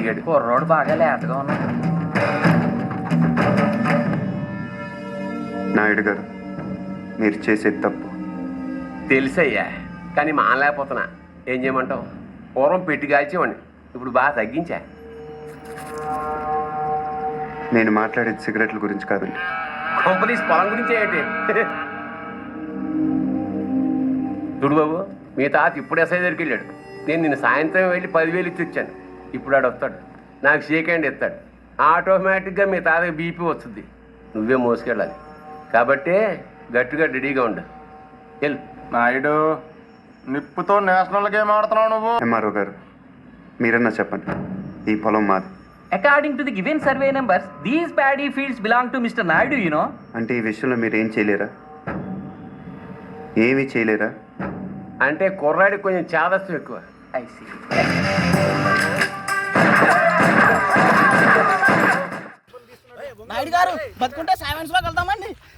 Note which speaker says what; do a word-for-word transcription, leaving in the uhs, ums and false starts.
Speaker 1: అడిగాడు.
Speaker 2: కుర్రోడు బాగా లేతగా ఉన్నాడు.
Speaker 3: నాయుడు గారు, మీరు చేసేది తప్పు.
Speaker 1: తెలుసయ్యా, కానీ మానలేకపోతున్నా. ఏం చేయమంటావు? పూర్వం పెట్టి కాల్చేవాడిని, ఇప్పుడు బాగా తగ్గించా.
Speaker 3: నేను మాట్లాడేది సిగరెట్ల గురించి కాదండి.
Speaker 1: కంపెనీస్ పొలం గురించి ఏంటి? చూడు బాబు, మీ తాత ఇప్పుడు ఎస్ఐ దగ్గరికి వెళ్ళాడు. నేను నిన్న సాయంత్రం వెళ్ళి పదివేలు ఇచ్చి వచ్చాను. ఇప్పుడు ఆడు వస్తాడు, నాకు షేక్ హ్యాండ్ ఇస్తాడు. ఆటోమేటిక్గా మీ తాతకి బీపీ వస్తుంది. నువ్వే మోసుకెళ్ళాలి కాబట్టి గట్టిగా రెడీగా ఉండు. వెళ్ళు.
Speaker 4: నాయుడు, నిప్పుతో నేషనల్ గేమ్ ఆడుతున్నావు నువ్వు.
Speaker 3: ఎంఆర్ఓ గారు, మీరన్నా చెప్పండి, ఈ పొలం మాది.
Speaker 2: According to the given survey numbers, these paddy fields belong to Mister Naidu, you know.
Speaker 3: అంటే ఈ విషయంలో మీరు ఏం చేయలేరా? ఏమీ చేయలేరా?
Speaker 1: అంటే కుర్రాడికి కొంచెం చాదస్తం ఎక్కువ.
Speaker 2: I see.
Speaker 5: నాయుడు గారు బతుకుంటే సెవెన్స్ లోకి వెళ్తామండి.